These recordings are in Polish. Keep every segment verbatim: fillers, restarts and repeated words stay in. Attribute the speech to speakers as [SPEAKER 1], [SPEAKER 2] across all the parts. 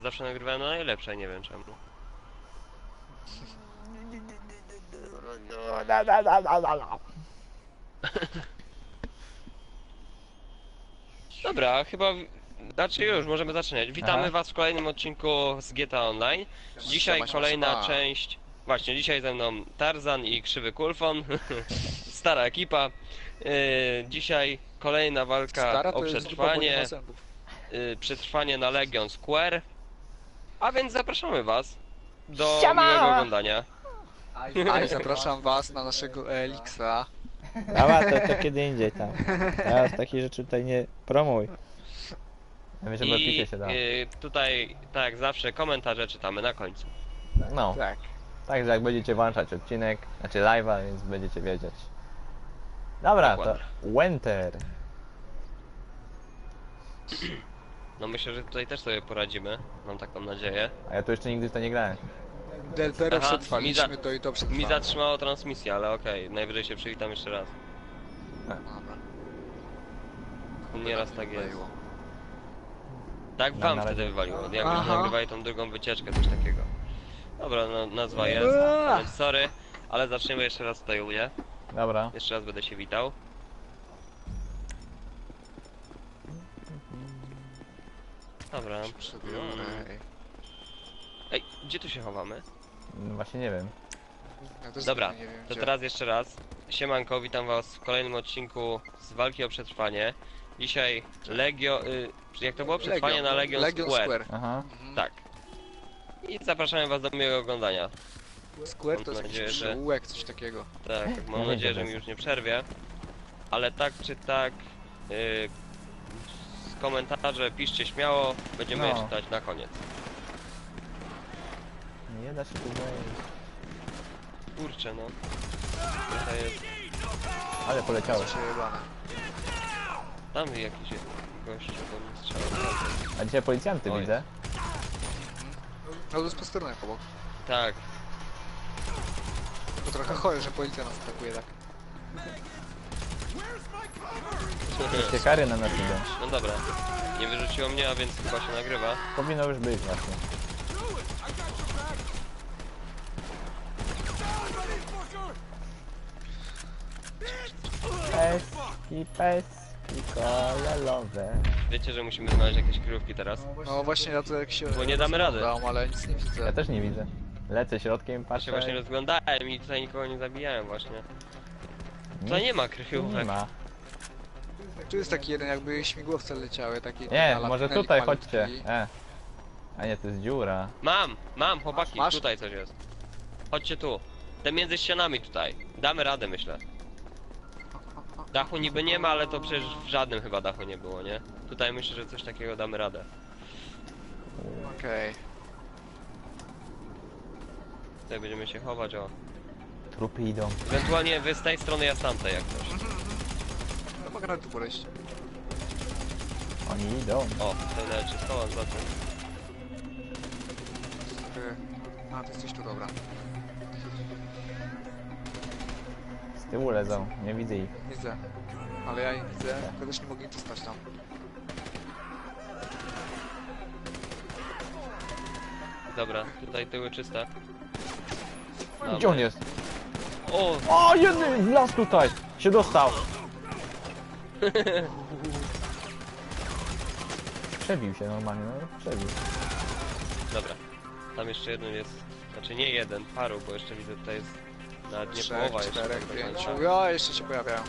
[SPEAKER 1] Zawsze nagrywałem na najlepsze, nie wiem czemu. Dobra, chyba... Znaczy już, możemy zaczynać. Witamy
[SPEAKER 2] Aha.
[SPEAKER 1] was w kolejnym odcinku z G T A Online. Dzisiaj
[SPEAKER 3] Siema, siema,
[SPEAKER 1] kolejna
[SPEAKER 3] siema.
[SPEAKER 1] część... Właśnie, dzisiaj ze mną Tarzan i Krzywy Kulfon. Stara ekipa. Yy, dzisiaj kolejna walka
[SPEAKER 3] Stara
[SPEAKER 1] o
[SPEAKER 3] to jest grupa, bo nie
[SPEAKER 1] przetrwanie.
[SPEAKER 3] ma zębów.
[SPEAKER 1] Yy, przetrwanie na Legion Square. A więc zapraszamy was do
[SPEAKER 2] Siema!
[SPEAKER 1] miłego oglądania.
[SPEAKER 3] A i zapraszam was na naszego Elixa.
[SPEAKER 2] Dobra, to, to kiedy indziej tam. Teraz takich rzeczy tutaj nie promuj. Ja myślę, że
[SPEAKER 1] I
[SPEAKER 2] picie się da.
[SPEAKER 1] yy, tutaj, tak jak zawsze, komentarze czytamy na końcu.
[SPEAKER 2] No,
[SPEAKER 3] Tak.
[SPEAKER 2] także jak będziecie włączać odcinek, znaczy live'a, więc będziecie wiedzieć. Dobra, to
[SPEAKER 1] Dokładnie.
[SPEAKER 2] Winter.
[SPEAKER 1] No myślę, że tutaj też sobie poradzimy. Mam taką nadzieję.
[SPEAKER 2] A ja tu jeszcze nigdy w to nie grałem.
[SPEAKER 3] Deltero
[SPEAKER 1] Aha,
[SPEAKER 3] przetrwaliśmy,
[SPEAKER 1] mi za-
[SPEAKER 3] to i to
[SPEAKER 1] Mi
[SPEAKER 3] przetrwamy.
[SPEAKER 1] zatrzymało transmisję, ale okej, najwyżej się przywitam jeszcze raz.
[SPEAKER 3] Dobra.
[SPEAKER 1] Nieraz tak jest.
[SPEAKER 3] Wywaliło.
[SPEAKER 1] Tak
[SPEAKER 2] Na-
[SPEAKER 1] wam
[SPEAKER 2] na
[SPEAKER 1] wtedy
[SPEAKER 2] razie.
[SPEAKER 1] wywaliło, jak
[SPEAKER 3] Aha.
[SPEAKER 1] byśmy nagrywali tą drugą wycieczkę, coś takiego. Dobra, no, nazwa jest,
[SPEAKER 3] Eee.
[SPEAKER 1] więc sorry, ale zaczniemy jeszcze raz tutaj u mnie.
[SPEAKER 2] Dobra.
[SPEAKER 1] Jeszcze raz będę się witał. Dobra.
[SPEAKER 3] Przebiorę.
[SPEAKER 1] Mm. Ej, gdzie tu się chowamy?
[SPEAKER 2] No właśnie nie wiem.
[SPEAKER 3] Ja też
[SPEAKER 1] Dobra,
[SPEAKER 3] nie wiem,
[SPEAKER 1] to
[SPEAKER 3] gdzie.
[SPEAKER 1] teraz jeszcze raz. Siemanko, witam was w kolejnym odcinku z walki o przetrwanie. Dzisiaj Legio... Y, jak to było? Przetrwanie
[SPEAKER 3] Legion.
[SPEAKER 1] na Legion,
[SPEAKER 3] Legion
[SPEAKER 1] Square.
[SPEAKER 3] Square.
[SPEAKER 2] Aha.
[SPEAKER 3] Mhm.
[SPEAKER 1] Tak. I zapraszamy was do miłego oglądania.
[SPEAKER 3] Square to
[SPEAKER 1] Mam
[SPEAKER 3] jest
[SPEAKER 1] nadzieję,
[SPEAKER 3] jakiś
[SPEAKER 1] że-
[SPEAKER 3] przyółek, coś takiego.
[SPEAKER 1] Tak, mam
[SPEAKER 2] Ja
[SPEAKER 1] nadzieję,
[SPEAKER 2] wiem,
[SPEAKER 1] że
[SPEAKER 2] co
[SPEAKER 1] mi
[SPEAKER 2] to
[SPEAKER 1] już nie przerwie. Ale tak czy tak... Y, komentarze piszcie śmiało, będziemy je
[SPEAKER 2] No.
[SPEAKER 1] czytać na koniec.
[SPEAKER 2] Nie da się tu wejść.
[SPEAKER 1] Kurczę no. Tutaj jest...
[SPEAKER 2] Ale poleciało.
[SPEAKER 3] Przejebane.
[SPEAKER 1] Tam jakiś gościu do mnie strzela.
[SPEAKER 2] A dzisiaj policjanty
[SPEAKER 1] Oj.
[SPEAKER 2] widzę.
[SPEAKER 3] No to jest posterunek obok.
[SPEAKER 1] Tak.
[SPEAKER 3] To trochę chore, że policja nas atakuje tak.
[SPEAKER 2] Wszystkie kary na nas idą.
[SPEAKER 1] No dobra. Nie wyrzuciło mnie, a więc chyba się nagrywa.
[SPEAKER 2] Powinno już być właśnie. Peski, peski kolorowe.
[SPEAKER 1] Wiecie, że musimy znaleźć jakieś kryjówki teraz?
[SPEAKER 3] No właśnie ja to jak się...
[SPEAKER 1] Bo nie damy rady.
[SPEAKER 3] rozglądam, ale nic nie widzę.
[SPEAKER 2] Ja też nie widzę. Lecę środkiem,
[SPEAKER 1] Ja się
[SPEAKER 2] patrzę.
[SPEAKER 1] właśnie rozglądałem i tutaj nikogo nie zabijałem właśnie. Tutaj nie ma kryjówek.
[SPEAKER 2] Nie ma.
[SPEAKER 3] Tu jest taki jeden, jakby śmigłowce leciały, taki...
[SPEAKER 2] Nie,
[SPEAKER 3] na
[SPEAKER 2] może
[SPEAKER 3] tuneli
[SPEAKER 2] tutaj
[SPEAKER 3] malutki.
[SPEAKER 2] chodźcie. E. A nie, to jest dziura.
[SPEAKER 1] Mam, mam, chłopaki,
[SPEAKER 3] Masz?
[SPEAKER 1] tutaj coś jest. Chodźcie tu. Te między ścianami tutaj. Damy radę, myślę. Dachu niby nie ma, ale to przecież w żadnym chyba dachu nie było, nie? Tutaj myślę, że coś takiego damy radę.
[SPEAKER 3] Okej.
[SPEAKER 1] Tutaj będziemy się chować, o.
[SPEAKER 2] Trupy idą.
[SPEAKER 1] Ewentualnie wy z tej strony, ja z tamtej jak coś.
[SPEAKER 3] No mogę na tu podejść.
[SPEAKER 2] Oni idą.
[SPEAKER 1] O, tutaj nawet się schowam za tym.
[SPEAKER 3] Trochę... A, to jesteś tu, dobra.
[SPEAKER 2] Z tyłu lezą. Nie widzę ich.
[SPEAKER 3] Widzę. Ale ja ich widzę, tylko też nie mogę ich dostać tam.
[SPEAKER 1] Dobra, tutaj tyły czyste.
[SPEAKER 2] Gdzie on jest?
[SPEAKER 1] O,
[SPEAKER 2] O, jeden wlazł tutaj. Się dostał. Przebił się normalnie, no przebił.
[SPEAKER 1] dobra. Tam jeszcze jeden jest. Znaczy nie jeden, paru, bo jeszcze widzę tutaj jest nawet nie
[SPEAKER 3] Trzech,
[SPEAKER 1] połowa jeszcze.
[SPEAKER 3] czterech,
[SPEAKER 1] tak do końca.
[SPEAKER 3] pięciu. Ja jeszcze się pojawiają.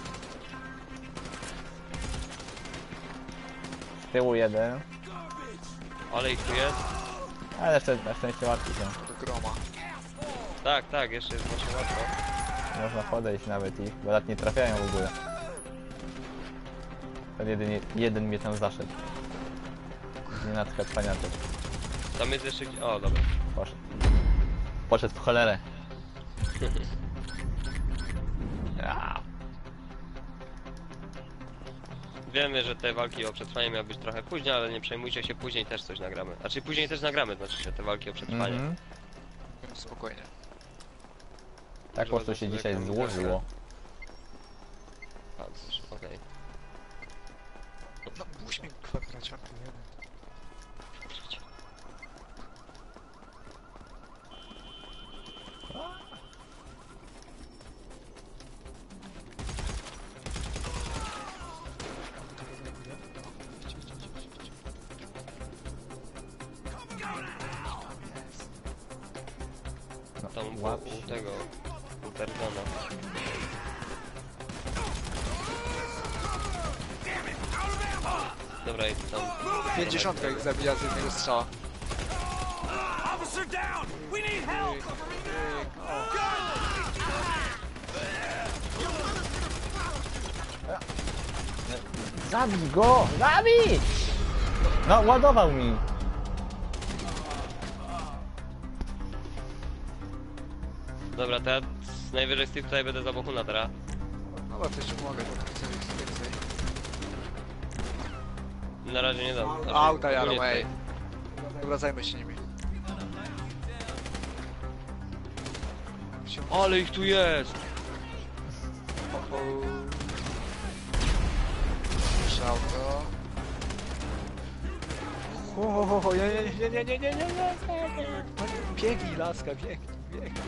[SPEAKER 2] Z tyłu jeden.
[SPEAKER 1] Ale ich tu jest?
[SPEAKER 2] Ale jeszcze na szczęście łatwiej są.
[SPEAKER 3] Do groma.
[SPEAKER 1] Tak, tak, jeszcze jest właśnie łatwo.
[SPEAKER 2] Można podejść nawet ich, bo nawet nie trafiają w ogóle. Ten jeden, jeden mnie tam zaszedł. Nie natkać paniaczek.
[SPEAKER 1] Tam jest jeszcze gdzie... O, dobra.
[SPEAKER 2] Poszedł. Poszedł w cholerę. Ja.
[SPEAKER 1] Wiemy, że te walki o przetrwanie miały być trochę później, ale nie przejmujcie się, później też coś nagramy. Znaczy później też nagramy, znaczy się te walki o przetrwanie.
[SPEAKER 2] Mhm.
[SPEAKER 3] Spokojnie.
[SPEAKER 2] Tak po prostu się dzisiaj złożyło.
[SPEAKER 1] Pancerz, okej.
[SPEAKER 3] No, puść mi kwadraciarty jeden.
[SPEAKER 1] tam u,
[SPEAKER 2] Łap
[SPEAKER 1] u
[SPEAKER 2] się.
[SPEAKER 1] tego, u Tarzana. Dobra, idź tam.
[SPEAKER 3] Pięćdziesiątka ich zabija z jednego strzała.
[SPEAKER 4] Officer down! We need help!
[SPEAKER 2] Zabij go! Zabij! No, ładował mi.
[SPEAKER 1] Dobra, to ja najwyżej Steve tutaj będę za Bohuna teraz.
[SPEAKER 3] Dobra, to jeszcze mogę, bo chcę ich więcej.
[SPEAKER 1] Na razie nie dam. Znaczy,
[SPEAKER 3] Auta jadą,
[SPEAKER 1] ogólnie
[SPEAKER 3] ej.
[SPEAKER 1] tutaj.
[SPEAKER 3] Dobra, zajmę się nimi. Wsią-
[SPEAKER 1] Ale ich tu jest!
[SPEAKER 3] o, o. Jeszcze auto. O, o, o, nie, nie, nie, nie, nie, nie, nie, nie. Biegnij, laska, biegnij, biegnij.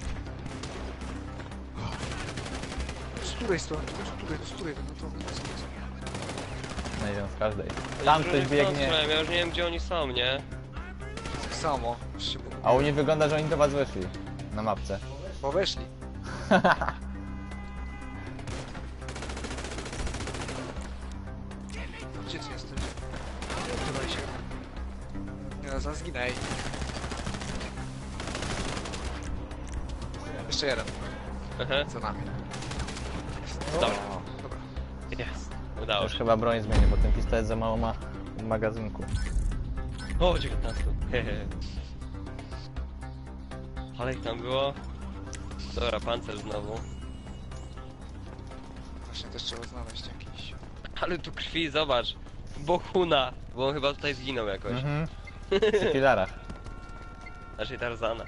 [SPEAKER 3] Z której strony? Z której, z której? No to, no to,
[SPEAKER 2] No idę z każdej. Tam
[SPEAKER 1] Już
[SPEAKER 2] ktoś
[SPEAKER 1] nie
[SPEAKER 2] biegnie.
[SPEAKER 1] słyszałem, Ja już nie wiem gdzie oni są, nie?
[SPEAKER 3] tak samo. Już się pogubiłem.
[SPEAKER 2] A u mnie wygląda, że oni do was weszli. Na mapce.
[SPEAKER 3] Bo weszli. Gdzie ty jesteś? Tutaj się. Nie no, zaraz zginę, ej. Jeszcze jeden,
[SPEAKER 1] Aha,
[SPEAKER 3] za nami.
[SPEAKER 1] dobra.
[SPEAKER 3] Dobra.
[SPEAKER 1] Jest. Udało
[SPEAKER 2] Już
[SPEAKER 1] się.
[SPEAKER 2] chyba broń zmienię, bo ten pistolet za mało ma w magazynku.
[SPEAKER 1] O, dziewiętnaście. Hehe. Ale ich tam było. Dobra, pancerz znowu.
[SPEAKER 3] Właśnie też trzeba znaleźć jakiś.
[SPEAKER 1] Ale tu krwi, zobacz. Bohuna, bo on chyba tutaj zginął jakoś.
[SPEAKER 2] Mhm. Przy filarach.
[SPEAKER 1] Znaczy Tarzana.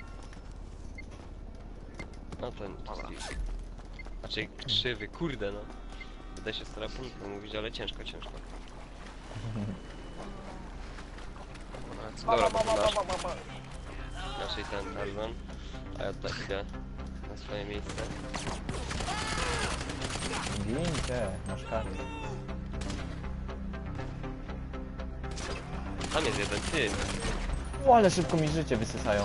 [SPEAKER 1] No to to
[SPEAKER 3] Dobra.
[SPEAKER 1] Steve. Znaczy krzywy, kurde no. Uda się strapuniką mówić, ale ciężko, ciężko. Dobra, bo masz. Znaczy ten Tarzan. A ja tutaj idę na swoje miejsce.
[SPEAKER 2] Gincie, masz karę.
[SPEAKER 1] Tam jest jeden, ty.
[SPEAKER 2] O, ale szybko mi życie wysysają.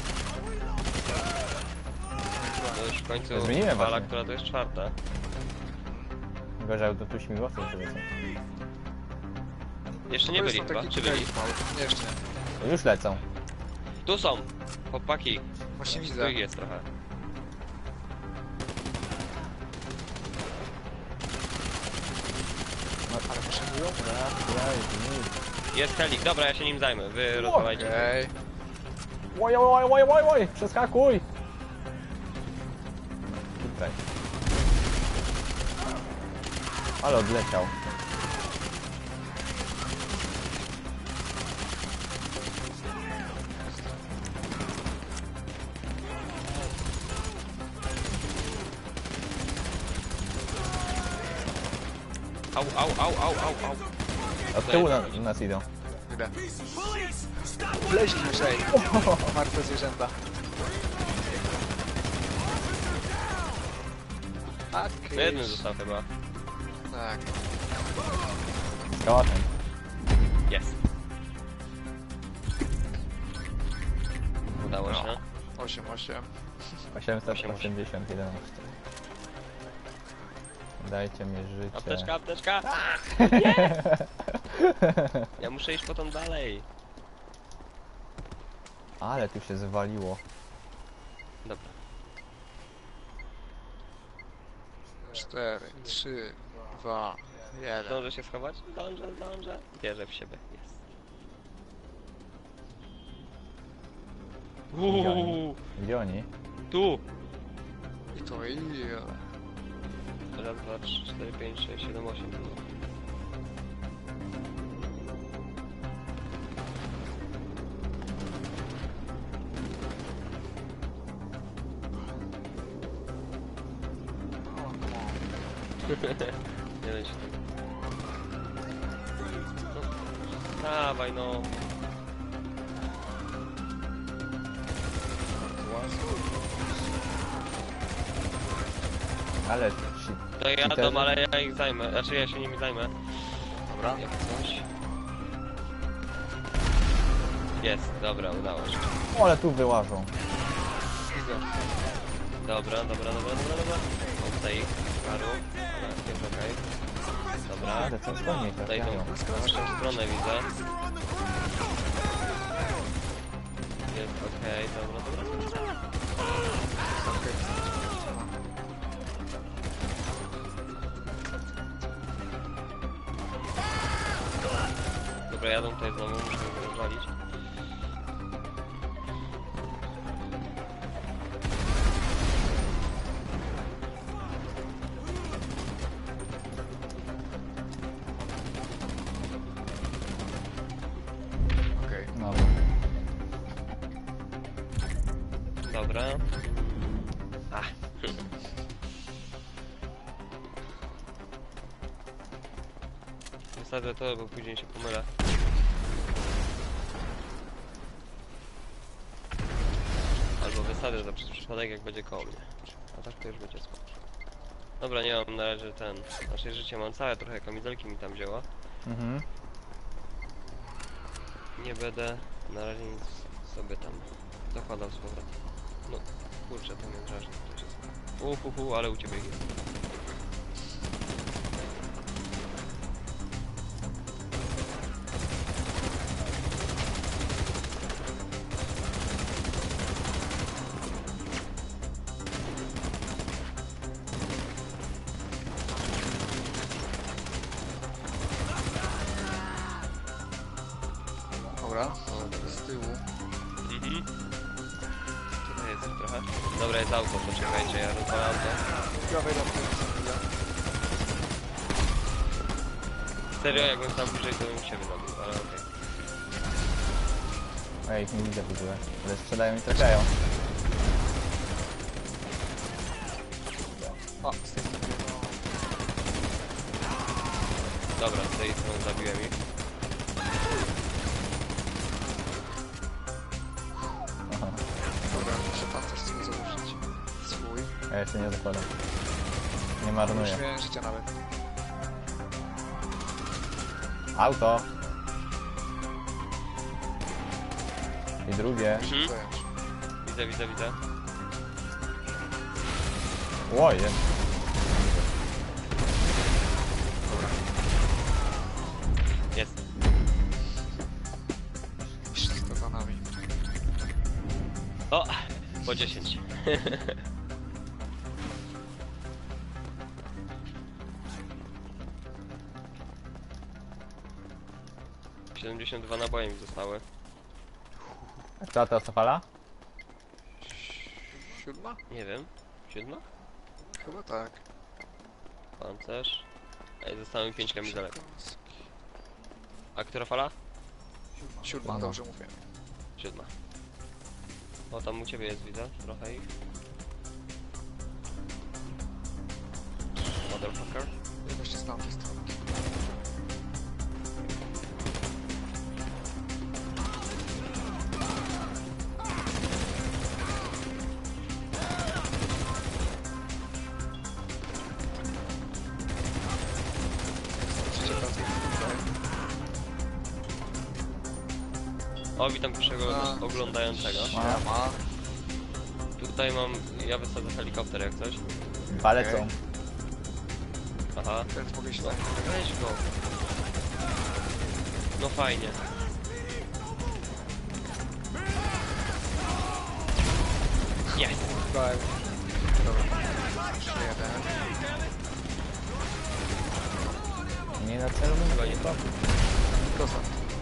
[SPEAKER 1] No już w końcu
[SPEAKER 2] Zmieniłem
[SPEAKER 1] fala,
[SPEAKER 2] właśnie.
[SPEAKER 1] która to jest czwarta.
[SPEAKER 2] Gorzej, to tu śmigłowcem sobie są.
[SPEAKER 1] Jeszcze nie
[SPEAKER 3] To
[SPEAKER 1] byli
[SPEAKER 3] są
[SPEAKER 1] chyba,
[SPEAKER 3] taki
[SPEAKER 1] czy byli?
[SPEAKER 3] mały. Nie, jeszcze nie.
[SPEAKER 2] To już lecą.
[SPEAKER 1] Tu są! Chłopaki,
[SPEAKER 3] Właśnie
[SPEAKER 1] tu
[SPEAKER 3] widzę.
[SPEAKER 1] ich jest trochę.
[SPEAKER 3] Ale potrzebują?
[SPEAKER 1] Jest helik, dobra, ja się nim zajmę, wy rozwalajcie.
[SPEAKER 3] Okej.
[SPEAKER 2] Oj, oj, oj, oj, oj, oj, przeskakuj! Tutaj. Ale odleciał.
[SPEAKER 1] Au, au, au, au, au, au.
[SPEAKER 2] Od tyłu na, nas idą.
[SPEAKER 3] Idę.
[SPEAKER 4] Police! Stop!
[SPEAKER 3] Wleźli już, ej. Martwe zwierzęta.
[SPEAKER 1] No jeden został chyba.
[SPEAKER 3] Tak.
[SPEAKER 2] Z kałaczem.
[SPEAKER 1] Jest. Udało się.
[SPEAKER 3] osiem, osiem.
[SPEAKER 2] osiemset osiemdziesiąt jedenaście. Dajcie mi życie.
[SPEAKER 1] Apteczka, apteczka! Ja muszę iść potem dalej.
[SPEAKER 2] Ale tu się zwaliło.
[SPEAKER 1] Dobra.
[SPEAKER 3] cztery, trzy, dwa, jeden.
[SPEAKER 1] Zdążę się schować? Zdążę, zdążę. Wierzę w siebie. Jest. Uuu,
[SPEAKER 2] Gdzie oni?
[SPEAKER 1] tu!
[SPEAKER 3] I to i...
[SPEAKER 1] Raz, dwa, trzy, cztery, pięć, sześć, siedem, osiem. Nie da się tego. No, dawaj no.
[SPEAKER 2] Ale ci...
[SPEAKER 1] To ja
[SPEAKER 2] cheaterzy?
[SPEAKER 1] dom, ale ja ich zajmę. Znaczy ja się nimi zajmę.
[SPEAKER 3] Dobra.
[SPEAKER 1] Jak coś. Jest, dobra, udało się.
[SPEAKER 2] O, ale tu wyłażą.
[SPEAKER 3] go.
[SPEAKER 1] Dobra, dobra, dobra, dobra, dobra. Tutaj ich, paru. Ale jest okej. Dobra.
[SPEAKER 2] Ale co wolniej
[SPEAKER 1] Tutaj tą
[SPEAKER 2] trafiają.
[SPEAKER 1] naszą stronę widzę. Jest okej, dobra, dobra, dobra. Dobra, jadą tutaj znowu, muszę ich rozwalić.
[SPEAKER 3] Okej.
[SPEAKER 2] No.
[SPEAKER 1] Dobra. Ach. Wysadzę to, bo później się pomylę. Albo wysadzę to przez przypadek, jak będzie koło mnie. A tak to już będzie spoko. Dobra, nie mam na razie ten... Nasze życie mam całe, trochę kamizelki mi tam wzięła.
[SPEAKER 2] Mhm.
[SPEAKER 1] Nie będę na razie nic sobie tam dokładał z powrotem. No, kurczę, to mnie drażni. Uhuhu, ale u ciebie jest.
[SPEAKER 3] Dobra, z tyłu.
[SPEAKER 1] Mhm. Tutaj jest ich trochę. Dobra, jest auto, poczekajcie, ja rozwalam to.
[SPEAKER 3] Ja wejdę w tył.
[SPEAKER 1] Serio, jakbym tam bliżej, to bym ciebie zabił, ale okej.
[SPEAKER 2] Ja ich nie widzę w ogóle. Ale strzelają i trafiają.
[SPEAKER 3] A, z tej strony.
[SPEAKER 1] Dobra, z tej strony zabiłem ich.
[SPEAKER 2] Aha.
[SPEAKER 3] Dobra, muszę pan też sobie założyć. Swój.
[SPEAKER 2] Ja jeszcze nie zakładam. Nie marnuję.
[SPEAKER 3] Już miałem życia nawet.
[SPEAKER 2] Auto. I drugie.
[SPEAKER 1] Mhm.
[SPEAKER 3] Zająć.
[SPEAKER 1] Widzę, widzę, widzę.
[SPEAKER 2] Ło, jest.
[SPEAKER 1] Jest.
[SPEAKER 3] Wszystko za nami.
[SPEAKER 1] O! Po dziesięć. siedemdziesiąt dwa naboje mi zostały.
[SPEAKER 2] A która to fala?
[SPEAKER 3] Siódma?
[SPEAKER 1] Nie wiem. Siódma?
[SPEAKER 3] Chyba tak.
[SPEAKER 1] Pancerz. Ej, zostało mi pięć kamizelek. A która fala?
[SPEAKER 3] Siódma,
[SPEAKER 2] No.
[SPEAKER 3] dobrze mówię.
[SPEAKER 1] Siódma. O, tam u ciebie jest, widzę. Trochę ich. Motherfucker.
[SPEAKER 3] Jeszcze z tamtej strony. Przecieka z tutaj.
[SPEAKER 1] O, witam pierwszego
[SPEAKER 3] A.
[SPEAKER 1] oglądającego.
[SPEAKER 3] Siema.
[SPEAKER 1] Tutaj mam... Ja wysadzę helikopter jak coś.
[SPEAKER 2] Palecą.
[SPEAKER 1] Aha.
[SPEAKER 3] Teraz mogę się
[SPEAKER 1] No,
[SPEAKER 3] tak.
[SPEAKER 1] weź go. No fajnie. Jest.
[SPEAKER 3] Tak. Dobra. Jeszcze jeden.
[SPEAKER 2] Nie na celu,
[SPEAKER 1] Chyba nie to.
[SPEAKER 3] Proszę.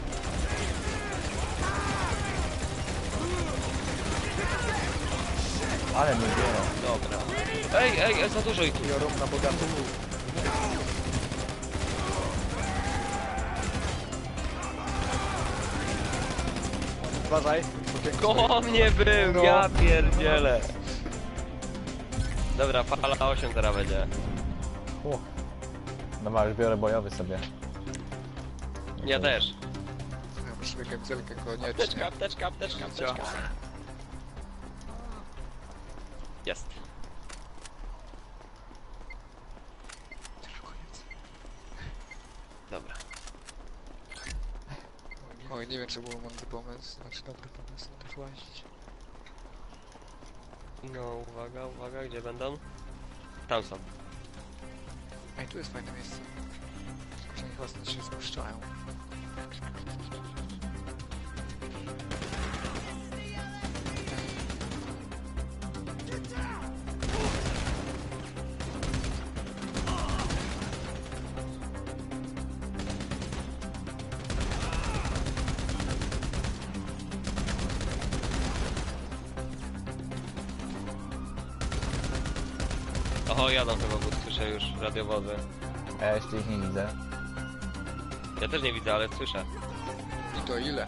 [SPEAKER 2] ale mnie biorą.
[SPEAKER 1] Dobra. Ej, ej, ej, za dużo ich tu.
[SPEAKER 3] Biorą na bogato. Uważaj. okienko stoi.
[SPEAKER 1] Koło mnie był,
[SPEAKER 3] No.
[SPEAKER 1] ja pierdzielę. Dobra, fala osiem teraz będzie.
[SPEAKER 2] Uch. Dobra, już biorę bojowy sobie.
[SPEAKER 1] Ja też.
[SPEAKER 3] Ja muszę kamizelkę koniecznie.
[SPEAKER 1] Apteczka, apteczka, apteczka, apteczka. Jest. Dobra.
[SPEAKER 3] Oj, nie wiem, czy był mądry pomysł. Znaczy dobry pomysł, też łazić.
[SPEAKER 1] No, uwaga, uwaga, gdzie będą? Tam są.
[SPEAKER 3] Ej, tu jest fajne miejsce. Tylko, że oni chyba stąd się spuszczają.
[SPEAKER 1] Oho, jadą chyba, bo słyszę już radiowozy.
[SPEAKER 2] A ja jeszcze ich nie widzę.
[SPEAKER 1] Ja też nie widzę, ale słyszę.
[SPEAKER 3] I to ile?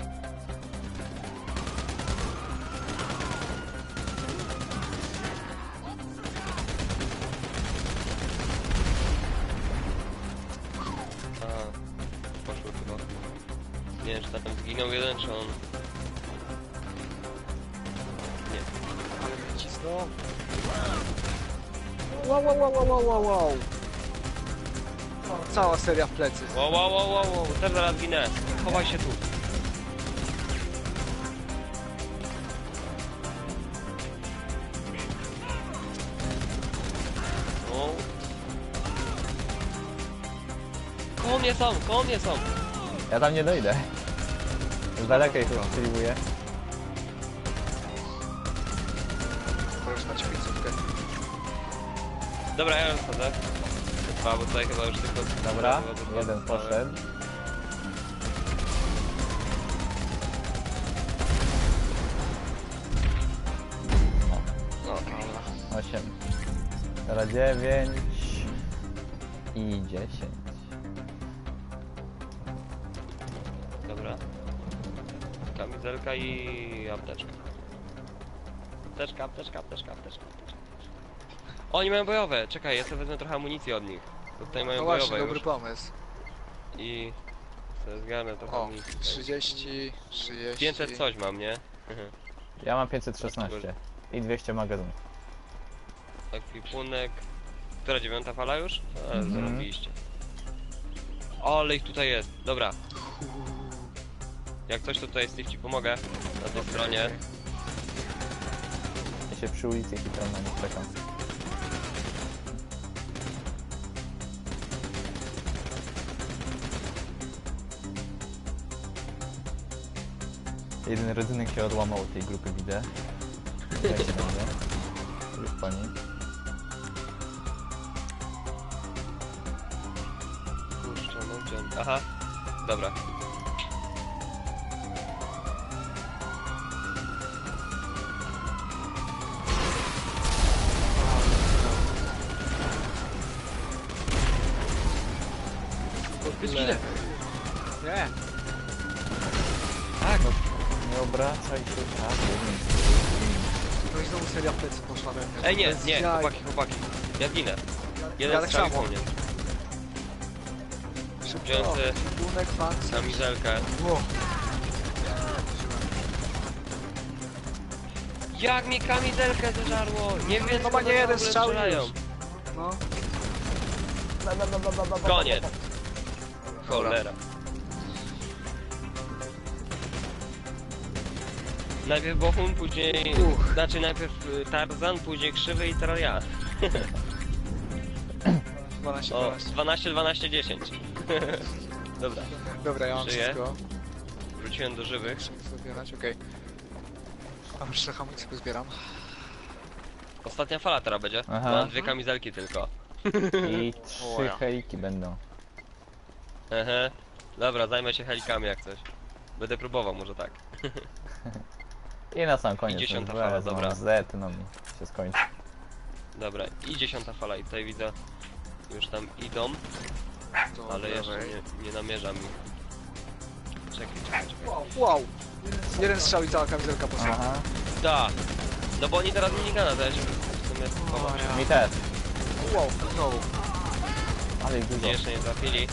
[SPEAKER 1] A, poszło chyba. Nie wiem, czy tam zginął jeden, czy on... Nie.
[SPEAKER 3] Ale mnie cisną. Wow, wow, wow, wow, wow, wow, wow. Cała seria w plecy.
[SPEAKER 1] Wow, wow, wow, wow, wow, też zaraz ginę. Chowaj się tu. O. Koło mnie są, koło mnie są.
[SPEAKER 2] Ja tam nie dojdę. Z daleka ich strzeliwuję.
[SPEAKER 3] Możesz dać końcówkę.
[SPEAKER 1] Dobra, ja już wchodzę. Dwa, bo tutaj chyba już tylko...
[SPEAKER 2] Dobra,
[SPEAKER 1] dwa, dwa,
[SPEAKER 2] jeden
[SPEAKER 1] dwa,
[SPEAKER 2] poszedł.
[SPEAKER 1] No,
[SPEAKER 2] osiem. Teraz dziewięć. I dziesięć.
[SPEAKER 1] dobra. Kamizelka i apteczka. Apteczka, apteczka, apteczka, apteczka, apteczka. O, oni mają bojowe! Czekaj, ja sobie wezmę trochę amunicji od nich. Bo tutaj mają
[SPEAKER 3] No właśnie,
[SPEAKER 1] bojowe
[SPEAKER 3] dobry
[SPEAKER 1] już.
[SPEAKER 3] pomysł.
[SPEAKER 1] I... sobie zgarnę trochę
[SPEAKER 3] O,
[SPEAKER 1] amunicji. tutaj.
[SPEAKER 3] trzydzieści, trzydzieści.
[SPEAKER 1] pięćset coś mam, nie?
[SPEAKER 2] Ja mam pięćset szesnaście. I dwieście magazynów.
[SPEAKER 1] Ekwipunek... Która dziewiąta fala już? A,
[SPEAKER 2] Mhm.
[SPEAKER 1] zarobiliście. O, ale ich tutaj jest. Dobra. Jak coś, to tutaj Steve ci pomogę. Na tej stronie.
[SPEAKER 2] Ja się przy ulicy chytram na nich czekam. Jeden rodzynek się odłamał od tej grupy, widzę. Jak się będzie? Już po nim.
[SPEAKER 1] Kurczę, no gdzie on... Aha. Dobra.
[SPEAKER 3] Ile? Nie.
[SPEAKER 1] Tak.
[SPEAKER 2] No, nie obracaj się tak.
[SPEAKER 3] No i znowu seria w plecy poszła we mnie.
[SPEAKER 1] Ej, nie,
[SPEAKER 3] Bez
[SPEAKER 1] nie,
[SPEAKER 3] jaj.
[SPEAKER 1] chłopaki, chłopaki. Ja ginę. Jeden
[SPEAKER 3] Ja tak
[SPEAKER 1] strzał
[SPEAKER 3] samo.
[SPEAKER 1] po mnie.
[SPEAKER 3] Szybko.
[SPEAKER 1] Wziący
[SPEAKER 3] Bunek, fancy.
[SPEAKER 1] kamizelkę.
[SPEAKER 3] Wow.
[SPEAKER 1] Jak mi kamizelkę zeżarło? Nie wiem,
[SPEAKER 3] No
[SPEAKER 1] co
[SPEAKER 3] ma nie
[SPEAKER 1] one w
[SPEAKER 3] jeden
[SPEAKER 1] ogóle
[SPEAKER 3] strzał
[SPEAKER 1] strzelają.
[SPEAKER 3] już. No.
[SPEAKER 1] Koniec. Cholera. Najpierw Bohun, później...
[SPEAKER 3] Uch.
[SPEAKER 1] Znaczy najpierw y, Tarzan, później Krzywy i teraz ja.
[SPEAKER 3] dwanaście,
[SPEAKER 1] O,
[SPEAKER 3] dwanaście.
[SPEAKER 1] dwanaście, dwanaście, dziesięć. Dobra,
[SPEAKER 3] Dobra, ja mam
[SPEAKER 1] Żyję.
[SPEAKER 3] wszystko.
[SPEAKER 1] wróciłem do żywych.
[SPEAKER 3] Muszę zabierać, okej. A już trochę amunicji pozbieram.
[SPEAKER 1] Ostatnia fala teraz będzie.
[SPEAKER 2] Aha.
[SPEAKER 1] Mam dwie kamizelki tylko.
[SPEAKER 2] I
[SPEAKER 3] O,
[SPEAKER 2] trzy
[SPEAKER 3] ja.
[SPEAKER 2] heliki będą.
[SPEAKER 1] Ehe. Dobra, zajmę się helikami jak coś. Będę próbował, może tak.
[SPEAKER 2] I na sam koniec.
[SPEAKER 1] I dziesiąta
[SPEAKER 2] no,
[SPEAKER 1] fala,
[SPEAKER 2] wezmą
[SPEAKER 1] dobra.
[SPEAKER 2] Z, no mi się skończy.
[SPEAKER 1] Dobra, i dziesiąta fala i tutaj widzę, już tam idą,
[SPEAKER 3] To
[SPEAKER 1] ale jeszcze
[SPEAKER 3] lewej.
[SPEAKER 1] nie, nie namierzam ich. Czekaj, czekaj, czekaj.
[SPEAKER 3] Wow! Jeden strzał i cała kamizelka poszła.
[SPEAKER 2] Aha.
[SPEAKER 1] Da! No bo oni teraz minigana, to ja się w sumie schowam.
[SPEAKER 3] O, ja.
[SPEAKER 2] Mi też.
[SPEAKER 3] Wow, znowu.
[SPEAKER 2] Ale ich dużo.
[SPEAKER 1] Mnie jeszcze nie trafili.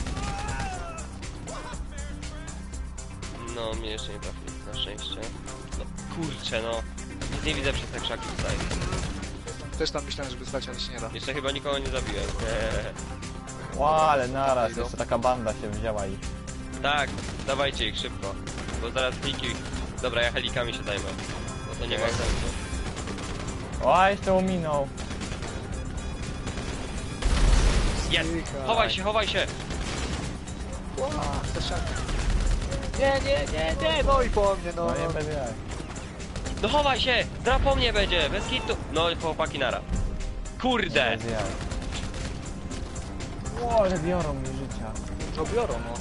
[SPEAKER 1] No, mnie jeszcze nie trafili, na szczęście. No kurczę, no. Nic nie widzę przez te krzaki tutaj.
[SPEAKER 3] Też tam myślałem, żeby stać, ale się nie da.
[SPEAKER 1] Jeszcze chyba nikogo nie zabiłem.
[SPEAKER 2] Ła, ale naraz,
[SPEAKER 3] Idą.
[SPEAKER 2] jeszcze taka banda się wzięła i...
[SPEAKER 1] Tak, dawajcie ich szybko. Bo zaraz kliki... Dobra, ja helikami się zajmę. Bo to nie ma
[SPEAKER 3] Okej.
[SPEAKER 1] sensu.
[SPEAKER 2] O, jeszcze ominął.
[SPEAKER 1] Jest! Chowaj się, chowaj się!
[SPEAKER 3] Ła, za ściankę. Nie, nie, nie, nie, no i po mnie, no.
[SPEAKER 2] No nie będzie jak.
[SPEAKER 1] No chowaj się! Dra po mnie będzie, bez hitu! No i chłopaki nara. Kurde!
[SPEAKER 2] Nie będzie jak. O, ale biorą mi życia.
[SPEAKER 3] To biorą, no.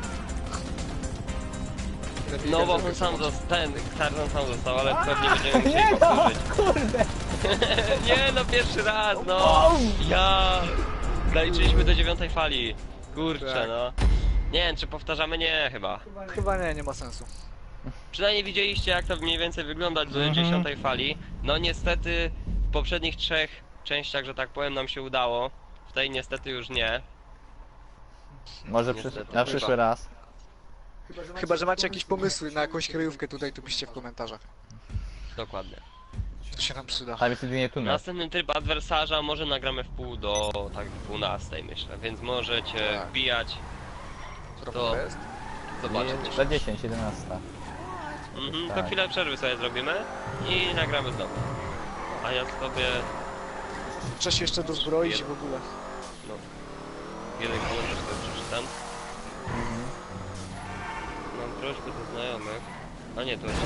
[SPEAKER 3] Lepiej
[SPEAKER 1] No bo
[SPEAKER 3] każdego
[SPEAKER 1] on sam
[SPEAKER 3] zobaczyć.
[SPEAKER 1] został, ten Tarzan sam został, ale pewnie będziemy musieli
[SPEAKER 2] Nie no,
[SPEAKER 1] powtórzyć.
[SPEAKER 2] kurde.
[SPEAKER 1] Nie no, pierwszy raz, no! Ja! Zaliczyliśmy do dziewiątej fali. Kurczę,
[SPEAKER 3] Tak.
[SPEAKER 1] no. Nie wiem, czy powtarzamy? Nie, chyba.
[SPEAKER 3] Chyba nie, nie ma sensu.
[SPEAKER 1] Przynajmniej widzieliście, jak to mniej więcej wygląda do
[SPEAKER 2] Mhm.
[SPEAKER 1] dziesiątej fali. No niestety w poprzednich trzech częściach, że tak powiem, nam się udało. W tej niestety już nie.
[SPEAKER 2] Może
[SPEAKER 1] Niestety.
[SPEAKER 2] przysz... na przyszły raz.
[SPEAKER 3] Chyba, że macie jakieś pomysły na jakąś kryjówkę tutaj, to piszcie w komentarzach.
[SPEAKER 1] Dokładnie.
[SPEAKER 3] To się nam przyda.
[SPEAKER 2] Tam jest jedynie tunel.
[SPEAKER 1] Następny tryb adwersarza może nagramy w pół do tak dwunastej, myślę, więc możecie
[SPEAKER 3] Tak.
[SPEAKER 1] wbijać,
[SPEAKER 3] Która
[SPEAKER 1] to-
[SPEAKER 3] to jest?
[SPEAKER 1] zobaczyć.
[SPEAKER 2] Za dziesięć, jedenaście.
[SPEAKER 1] Mhm, to
[SPEAKER 2] tak.
[SPEAKER 1] chwilę przerwy sobie zrobimy i nagramy znowu. A ja sobie
[SPEAKER 3] Trzeba się jeszcze dozbroić i w ogóle.
[SPEAKER 1] no, jeden komentarz sobie przeczytam. Mam prośbę do znajomych. A nie, to jest.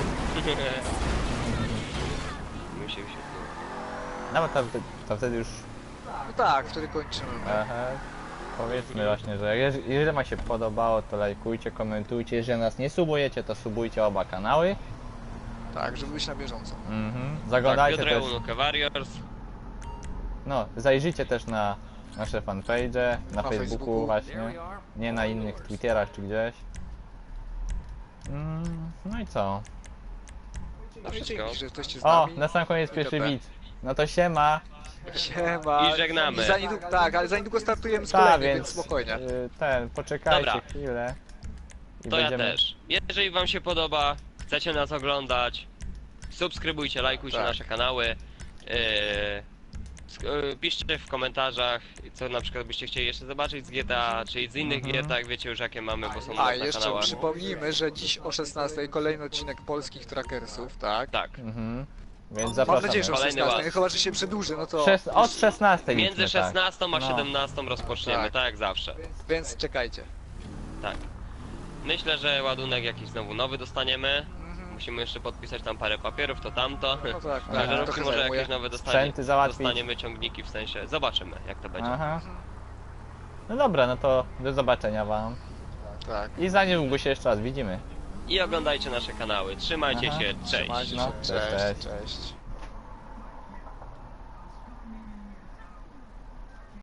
[SPEAKER 1] Mi się wyświetliło.
[SPEAKER 2] No bo to, to wtedy już...
[SPEAKER 3] No tak, wtedy kończymy.
[SPEAKER 2] Aha. Powiedzmy właśnie, że jeż- jeżeli wam się podobało, to lajkujcie, komentujcie. Jeżeli nas nie subujecie, to subujcie oba kanały.
[SPEAKER 3] Tak, żeby być na bieżąco.
[SPEAKER 2] Mhm.
[SPEAKER 1] Tak,
[SPEAKER 2] Zaglądajcie
[SPEAKER 1] Piotr
[SPEAKER 2] też...
[SPEAKER 1] Eunuch Warriors.
[SPEAKER 2] No, zajrzyjcie też na nasze fanpage, na,
[SPEAKER 3] Na
[SPEAKER 2] Facebooku,
[SPEAKER 3] Facebooku.
[SPEAKER 2] właśnie, nie na innych Twitterach czy gdzieś. Mm, no i co?
[SPEAKER 3] No i
[SPEAKER 1] wszystko.
[SPEAKER 3] dzięki, że jesteście z
[SPEAKER 2] O,
[SPEAKER 3] nami.
[SPEAKER 2] na sam koniec
[SPEAKER 3] I
[SPEAKER 2] pierwszy
[SPEAKER 3] tyle.
[SPEAKER 2] widz. No to siema.
[SPEAKER 3] Siema.
[SPEAKER 1] I żegnamy.
[SPEAKER 3] I za niedługo, tak, ale za niedługo startujemy z
[SPEAKER 2] Ta,
[SPEAKER 3] kolejnym,
[SPEAKER 2] więc
[SPEAKER 3] więc spokojnie.
[SPEAKER 2] y, ten, poczekajcie
[SPEAKER 1] Dobra.
[SPEAKER 2] chwilę. I
[SPEAKER 1] To ja też. Jeżeli wam się podoba, chcecie nas oglądać, subskrybujcie, lajkujcie
[SPEAKER 3] Tak.
[SPEAKER 1] nasze kanały. Yy, sk- yy, piszcie w komentarzach, co na przykład byście chcieli jeszcze zobaczyć z G T A, czy z innych
[SPEAKER 2] Mhm.
[SPEAKER 1] G T A, wiecie już jakie mamy, bo są u
[SPEAKER 3] A,
[SPEAKER 1] nas na
[SPEAKER 3] jeszcze
[SPEAKER 1] kanałach.
[SPEAKER 3] przypomnijmy, że dziś o szesnastej kolejny odcinek polskich trackersów, tak?
[SPEAKER 1] Tak.
[SPEAKER 2] Mhm. Więc
[SPEAKER 3] Mam
[SPEAKER 2] zapraszamy.
[SPEAKER 3] nadzieję, że o
[SPEAKER 1] Kolejny
[SPEAKER 3] szesnastej,
[SPEAKER 1] ład.
[SPEAKER 3] chyba, że się przedłuży, no to...
[SPEAKER 2] Szes- od szesnastej
[SPEAKER 1] Między
[SPEAKER 2] liczmy, tak.
[SPEAKER 1] szesnastą a
[SPEAKER 2] No.
[SPEAKER 1] siedemnastą rozpoczniemy,
[SPEAKER 3] Tak.
[SPEAKER 1] tak jak zawsze.
[SPEAKER 3] Więc czekajcie.
[SPEAKER 1] Tak. Myślę, że ładunek jakiś znowu nowy dostaniemy. Musimy jeszcze podpisać tam parę papierów, to tamto.
[SPEAKER 3] No tak,
[SPEAKER 2] Aha.
[SPEAKER 3] tak,
[SPEAKER 1] Ciężarówki
[SPEAKER 3] trochę
[SPEAKER 1] może
[SPEAKER 3] zajmuje.
[SPEAKER 1] jakieś nowe dostanie,
[SPEAKER 2] Sprzęty załatwić.
[SPEAKER 1] dostaniemy, ciągniki w sensie. Zobaczymy jak to będzie.
[SPEAKER 2] Aha. No dobra, no to do zobaczenia wam.
[SPEAKER 3] Tak.
[SPEAKER 2] I za niedługo się jeszcze raz widzimy.
[SPEAKER 1] I oglądajcie nasze kanały. Trzymajcie
[SPEAKER 2] Aha.
[SPEAKER 1] się, cześć!
[SPEAKER 3] Trzymajcie się,
[SPEAKER 2] No, cześć,
[SPEAKER 3] cześć,
[SPEAKER 2] cześć.
[SPEAKER 3] cześć.